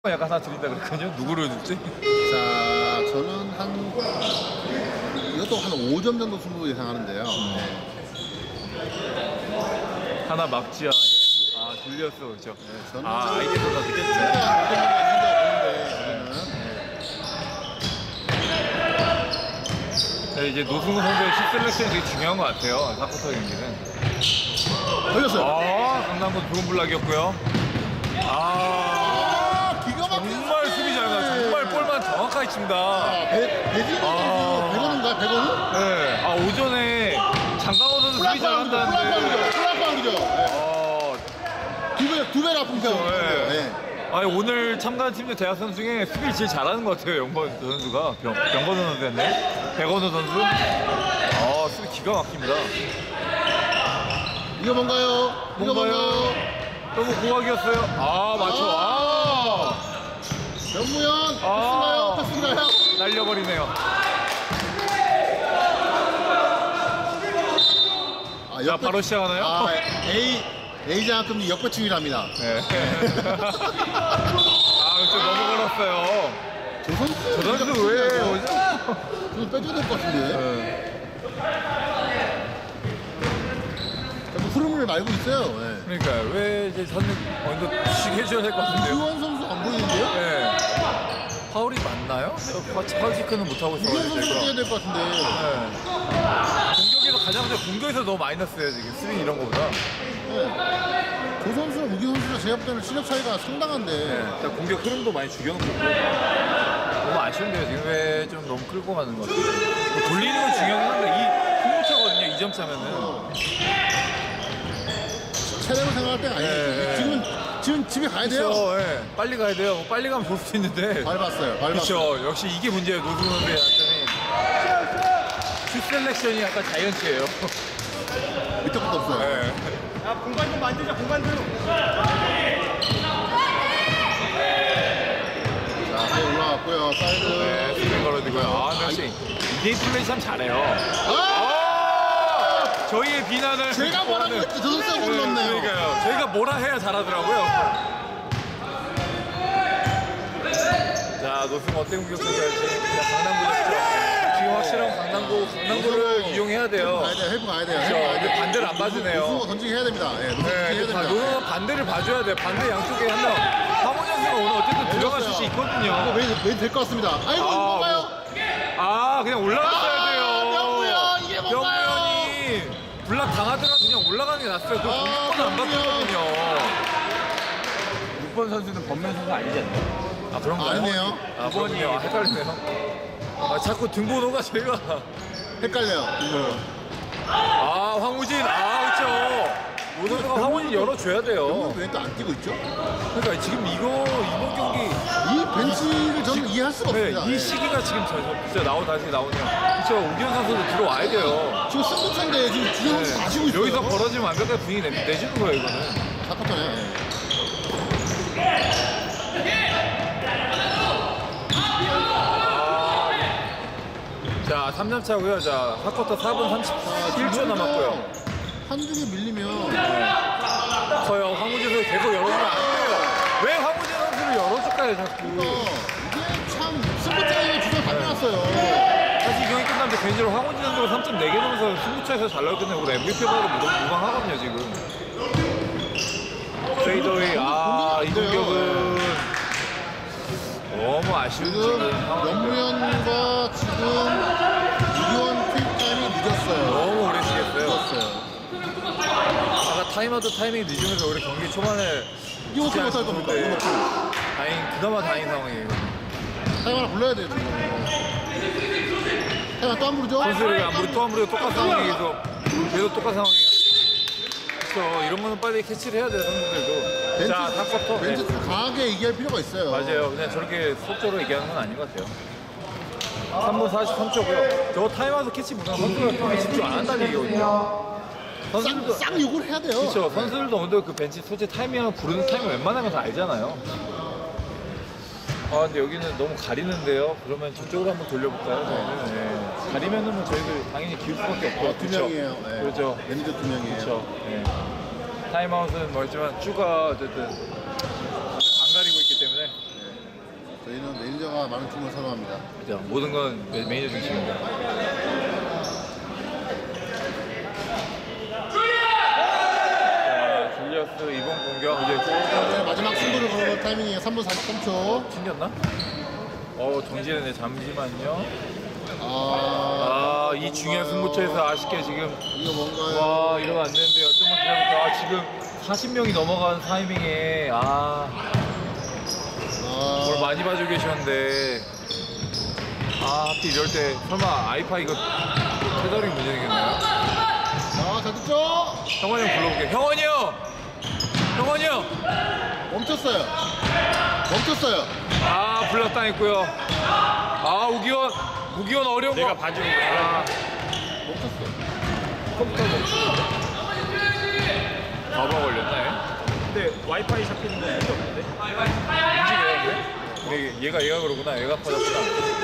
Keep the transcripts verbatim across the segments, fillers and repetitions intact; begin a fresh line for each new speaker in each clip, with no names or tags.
약간 하나 드린다 그랬거든요. 누구를 줄지?
자, 저는 한 이것도 한 오 점 정도 승부 예상하는데요.
음.
네.
하나 막지야. 예. 아 돌렸어, 그렇죠.
네, 저는
아 아이디어가 느꼈지. 네, 이제 노승우 선수의 십 셀렉션이 되게 중요한 것 같아요. 사쿼터 경기는.
걸렸어요.
아 강남군 좋은 블락이었고요. 아
기가 막힌
정말 수비 잘 가. 정말 볼만 정확하게 칩니다.
배진호 선수
아.
백원인가요? 백원은?
네. 아 오전에 장강호 선수 수비 잘한다는데.
플랫파울이죠.
어,
두 배, 두 배나 아픈 편.
네.
네.
아니 오늘 참가한 팀들 대학 선수 중에 수비를 제일 잘하는 것 같아요. 영건 선수가 병, 병건우 선수였네. 백원우 선수. 아 수비 기가 막힙니다.
이거 뭔가요? 이거
뭔가요?
뭔가요?
너무 고학이었어요. 아 맞죠. 아,
변무현
아.
패스인가요? 패스인가요?
날려버리네요.
아,
자
역배-
바로 시작하나요?
아, A A 장학금 역배충이랍니다.
네. 아 그렇죠. 너무 걸었어요.
저 선수
저 선수 왜 오죠?
좀 빼줘야 될 것 같은데.
네.
자꾸 흐름을 알고 있어요. 네.
그러니까 왜 이제 저는 먼저 쉬게 해줘야 될 것 같은데요?
유원 선수 안 보이는데요?
네. 파울이 맞나요? 파- 파울 체크는 못하고 있어요.
유원 선수 뛰어야 될 것 같은데.
네. 공격에서 가장 먼저 공격에서 너무 마이너스예요 지금 수비 이런 거보다.
네. 조 선수랑 우기 선수가 제가 볼 때는 실력 차이가 상당한데.
네. 일단 공격 흐름도 많이 죽여놓고 있고. 너무 아쉬운데요 지금 왜 좀 너무 끌고 가는 것 같아요. 뭐 돌리는 건 중요하긴 한데 이 승부차거든요 이 점 차면은.
체력을 생각할 때가 아니에요.
네.
지금 지금 집에 가야 돼요.
그렇죠. 네. 빨리 가야 돼요. 뭐 빨리 가면 볼 수 있는데.
밟았어요. 밟았어요.
그렇죠. 역시 이게 문제예요 노승우 선수의 약점이. 슛 셀렉션이 약간 자이언츠예요.
밑에 것도 없어요.
네.
야, 공간 좀 만들자, 공간 좀.
자, 또 올라왔고요. 사이드.
네, 스크린 걸어주고요. 아, 역시 이대인 플레이 참 잘해요.
아!
아! 저희의 비난을
제가 뭐라고 했지? 저 선수가 못 넣네요.
그러니까요. 저희가 뭐라 해야 잘하더라고요. 자, 노승우 어떻게 공격해야 할지. 강남구였죠. 지금 확실한 강남구, 강남구를 이용해야 돼요.
가야 돼요. 헬프 가야 돼요.
그렇죠.
헬프 가야
근데
돼요.
반대를 안 봐주네요.
노승호 던지기 해야 됩니다. 예, 노승호
네,
던지기 해야 됩니다.
노승우 반대를 봐줘야 돼요. 반대 양쪽에 한 명. 황원현 선수가 오늘 어쨌든 들어갈 수 있거든요.
이거 메인, 메인 될것 같습니다. 아이고,
아,
뭔가요?
아, 그냥 올라갔어야
아,
돼요.
명무현, 이게 뭔가요?
명무현이 블락 당하더라도 그냥 올라가는 게 낫어요. 그
아,
공격권 안
명무현.
받거든요.
육 번 선수는 범면 선수 아니잖아요.
아, 그런가요?
아니네요.
아, 그렇군요. 아, 헷갈리네요. 아, 자꾸 등번호가 제가.
헷갈려요.
아, 황우진. 아, 그렇죠. 오선수가 황우진 열어줘야 돼요.
병은 왜 또 안 뛰고 있죠?
그러니까 지금 이거, 이번 경기.
이 벤치를 저는 이해할 수가
네,
없습니다.
이
예.
시기가 지금 저, 저, 진짜 나오, 다시 나오네요. 그렇죠. 우기현 선수도 들어와야 돼요.
지금 승부차인데 지금 주영 선수 마시고 있어요.
여기서 벌어지면 완벽한 분위기 내, 내주는 거예요, 이거는.
사커터네요.
자, 삼 점 차고요. 자, 사 쿼터 사 분 삼십일 초 남았고요.
한두 개 밀리면
커요. 황우진 선수 계속 열어주면 안 돼요. 왜 황우진 선수를 열어줄까요, 자꾸.
어, 이게 참 승부차이가 주장 다 나왔어요.
사실 이 경기 끝나면 개인적으로 황우진 선수가 삼 점 네 개 넣으면서 승부차에서 잘 나올 끝내고 엠브이피 받아도 무방, 무방하거든요, 지금. 페이더웨이, 아, 이 공격은 너무 아쉬운
지금
지금 상황이고요.
연무현과 지금 이기원 퀵타임이 늦었어요.
너무 오래 쉬겠어요.
늦었어요.
아까 타임아웃 타이밍이 늦으면서 우리 경기 초반에
이거 어떻게 못할 겁니까? 이거 어떻게?
다행, 그나마 다행인 상황이에요.
타임 하나 불러야 돼요, 지금. 타임 또 안 부르죠?
선수를 아무리 또 아무리 똑같은 상황에서 계속 똑같은 상황이에요. 그렇죠. 이런 거는 빨리 캐치를 해야 돼요, 선수들도. 자, 사 쿼터. 네.
벤츠 강하게 얘기할 필요가 있어요.
맞아요. 그냥 저렇게 속도로 얘기하는 건 아닌 것 같아요. 삼 분 사십삼 초고요. 저거 타임아웃 캐치 못하면 선수가 경기 집중 안 한다는 얘기거든요. 선수들도
싹, 싹 욕을 해야 돼요.
그렇죠. 선수들도 오늘 그 벤치 소재 타이밍 부르는 타이밍 웬만하면 다 알잖아요. 아 근데 여기는 너무 가리는데요. 그러면 저쪽으로 한번 돌려볼까요? 저희는 네. 가리면은 뭐 저희들 당연히 기울 수밖에 없고.
어, 두 명이에요. 네.
그렇죠.
매니저 두 명이에요.
그렇죠. 네. 타임아웃은 멀지만 쭈가 어쨌든 안 가리고 있기 때문에.
저희는 매니저가 많은 팀을 선호합니다.
자, 모든 건 매- 매니저 중심입니다. 자, 줄리어스 이번 공격 이제
네, 마지막 승부를 거는 타이밍이 삼 분 사십삼 초.
튕겼나? 어, 정지했네. 잠시만요.
아,
아, 이 중요한 승부처에서 아쉽게 지금
이거 뭔가요?
와, 이러면 안 되는데요. 좀만 기다려볼게요. 아, 지금 사십 명이 넘어간 타이밍에 아, 뭘
아,
많이 봐주고 계셨는데 아, 하필 이럴 때 설마 아이파 이거 테더링 문제 생겼나요?
아, 잘 듣죠?
형원이 형 불러볼게요. 형원이 형! 형원이 형!
멈췄어요. 멈췄어요.
아, 불렀다 했고요. 아, 우기원, 우기원 어려운 거.
내가 봐주는 거야.
아,
멈췄어.
컴퓨터 멈추는데? 바보 걸렸나,
근데 와이파이 잡히는 건 문제 없는데?
얘? 움직여요, 근데? 얘가, 얘가 그러구나. 얘가 퍼졌구나.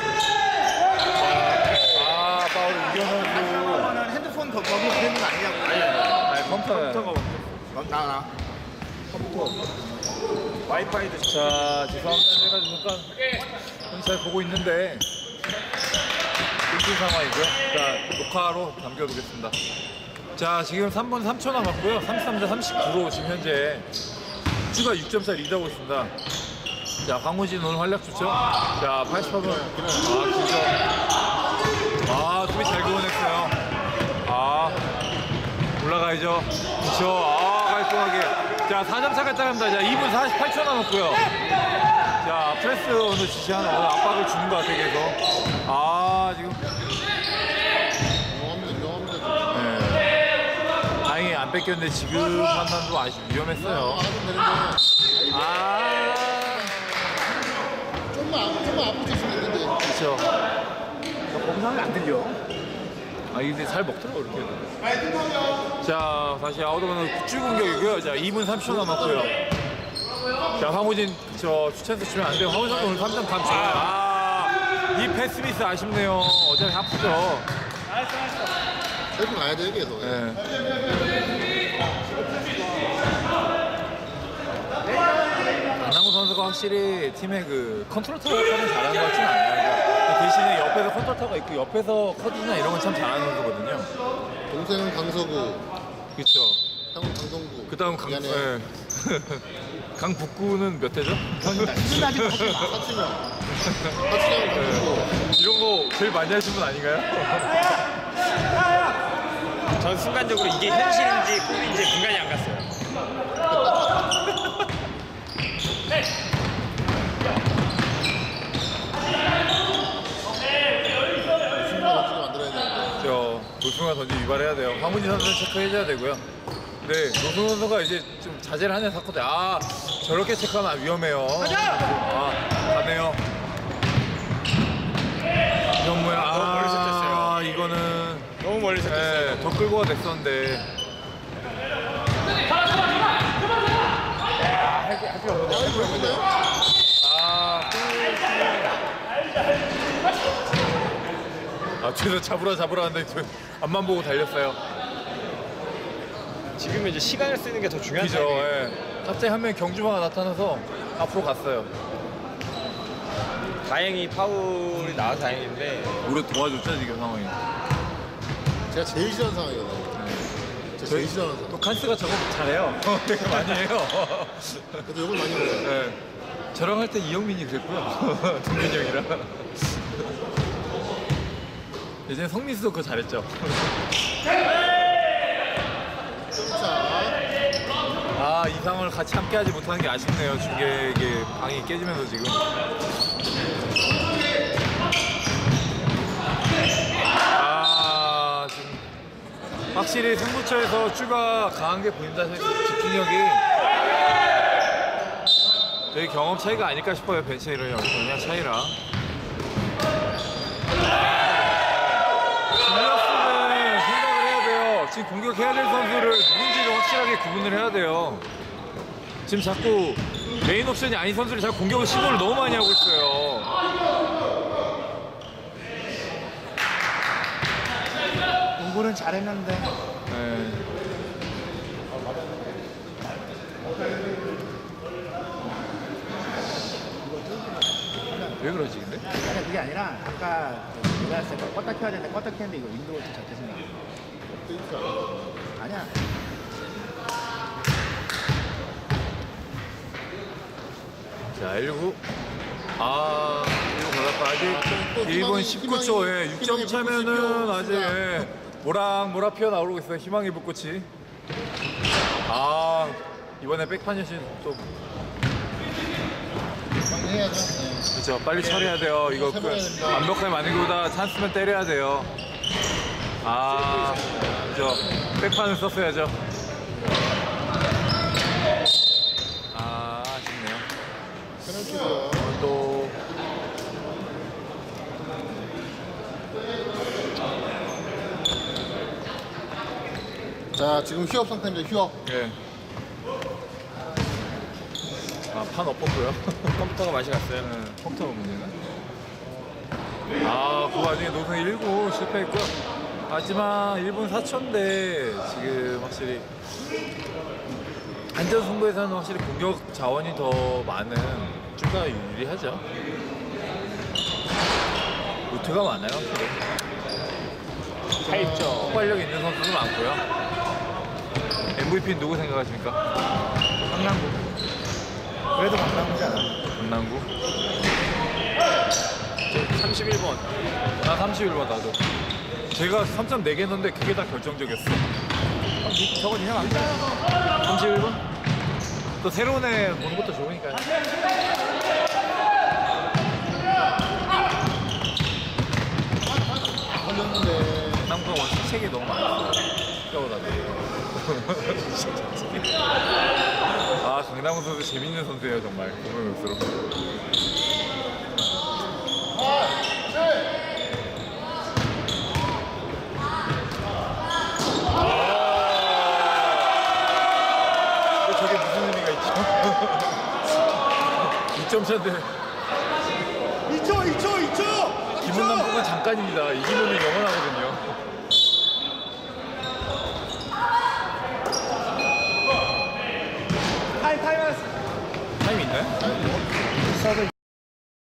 아, 파울 우기원 선수.
그거는 핸드폰 거, 거기 되는 거 아니냐고. 아니,
아니, 컴퓨터.
컴퓨터가 나, 나. 컴퓨터. 와이파이도
자, 죄송합니다. 제가 지금 잠깐 잘 보고 있는데 끊긴 상황이고요. 자, 녹화로 남겨두겠습니다. 자, 지금 삼 분 삼 초 남았고요. 삼십삼 대 삼십구로 지금 현재 추가 육 점 차 리드하고 있습니다. 자, 황무진 오늘 활약 좋죠? 자, 팔십팔 분. 아, 진짜. 아, 수비 잘 그어냈어요. 아, 올라가야죠. 그쵸. 아, 깔끔하게. 자, 사 점 차가 따릅니다. 자, 이 분 사십팔 초 남았고요. 자, 프레스 오늘 지시하는 오늘 압박을 주는 것 같아요, 계속. 아, 지금.
명합니다, 명합니다.
네. 다행히 안 뺏겼는데 지금 판단도 아주 위험했어요.
알아도 되는데.
아,
좀만, 앞- 좀만 앞으로 쳤으면 됐는데.
그쵸.
검사는 안 들려.
아, 근데 잘 먹더라고, 이렇게. 자, 다시 아웃오버는 쭉 공격이고요. 자, 이 분 삼십 초 남았고요. 자, 황우진, 저, 추천해서 주면 안 돼요. 황우진 오늘 삼 점 감 좋아요. 아, 이 패스 미스 아쉽네요. 어차피 아프죠.
셀프 가야 돼, 계속.
네. 안남구 선수가 확실히 팀의 그 컨트롤 타워를 잘하는 것 같지는 않아요. 그러니까 대신에 옆에서 컨트롤 타워가 있고 옆에서 커디나 이런 건 참 잘하는 선수거든요.
동생은 강서구,
그렇죠.
형은 강동구.
그 다음 강,
미안해요.
예. 강북구는 몇 대죠?
사치명. 사치명 강동구.
이런 거 제일 많이 하신 분 아닌가요?
전 순간적으로 이게 현실인지 꿈인지 분간이 안 갔어요.
승부가 던지게 만들어야 되는데.
저 노승환 던지 위반해야 돼요. 황문진 선수는 체크해줘야 되고요. 네, 노승환 선수가 이제 좀 자제를 하는 사건데 아 저렇게 체크하면 위험해요. 아 가네요. 이런 모양
너무 멀리
아
set했어요.
이거는
너무 멀리 섰어요.
네, 더 끌고가 됐었는데
아, 이거 왜 그래?
아, 아 뒤에서 잡으라 잡으라 하는데 저 앞만 보고 달렸어요.
지금 이제 시간을 쓰는 게 더 중요한
그죠.
타이밍이에요.
예. 갑자기 한 명 경주마가 나타나서 앞으로 갔어요.
다행히 파울이 나와서 다행인데
우리 도와줬죠 지금 상황이.
제가 제일 싫어하는 상황이거든요. 제가 제일 싫어하는 상황.
또 칸스가 저거 잘해요. 되게 많이 해요.
그래도 욕을 많이 먹어요.
예. 저랑 할 때 이영민이 그랬고요. 동민이 형이랑. 예전에 성민수도 그거 잘했죠.
자,
아, 이 상황을 같이 함께 하지 못하는 게 아쉽네요. 중계의 방이 깨지면서 지금. 아, 지금 확실히 승부처에서 추가 강한 게 보인다. 집중력이 되게 경험 차이가 아닐까 싶어요. 벤치 이런 영향 차이라. 줄리어스는 생각을 해야 돼요. 지금 공격해야 될 선수를 누군지를 확실하게 구분을 해야 돼요. 지금 자꾸 메인 옵션이 아닌 선수를 자꾸 공격을 시도를 너무 많이 하고 있어요.
공부는 잘했는데
네. 왜 그러지 근데?
아니 그게 아니라 아까 그 내가 했을 때 껐다 켜야 되는데 껐다 켰는데 이거 윈도우 좀 작게 생겨.
업데이트 안 해.
아니야.
자 일 구 아 일 구 걸렸다. 아직 일 분 십구 초에 육 점 차면은 아직 예, 모락모락 피어나오고 있어요. 희망의 불꽃이. 아 이번에 백판 여신 또
빨리 해야죠. 네.
그렇죠. 빨리 처리해야 돼요. 이거 그 완벽하게 만든 것보다 찬스면 때려야 돼요. 아 그죠. 백판을 썼어야죠. 아 아쉽네요.
페널티고요.
또
자, 지금 휴업 상태입니다. 휴업.
예. 아판 엎었고요.
컴퓨터가 맛이 갔어요.
네, 컴퓨터 문제는. 아, 그 와중에 노선 일 구 실패했고요. 하지만 일 분 사 초인데 지금 확실히 안전 승부에서는 확실히 공격 자원이 더 많은 쭈가 유리하죠. 루트가 많아요.
타입죠.
폭발력 있는 선수도 많고요. 엠브이피는 누구 생각하십니까?
강남구. 그래도 강남구지 않아.
강남구?
삼십일 번.
나 삼십일 번 나도. 제가 삼 점 네 개 했는데 그게 다 결정적이었어.
저거 니네 맘대로.
삼십일 번? 또 새로운 애 보는 것도 좋으니까요.
걸렸는데.
강남구가 원래 책이 너무 많았어요. 생각보다도. 아, 강남구 선수 재밌는 선수예요, 정말. 보면 볼수록. 또 저게 무슨 의미가 있죠? 이 점 차인데
이 초, 이 초, 이 초.
기분 남북은 잠깐입니다. 이기면은 영원하거든요.
타임 타임.
타임 있나요?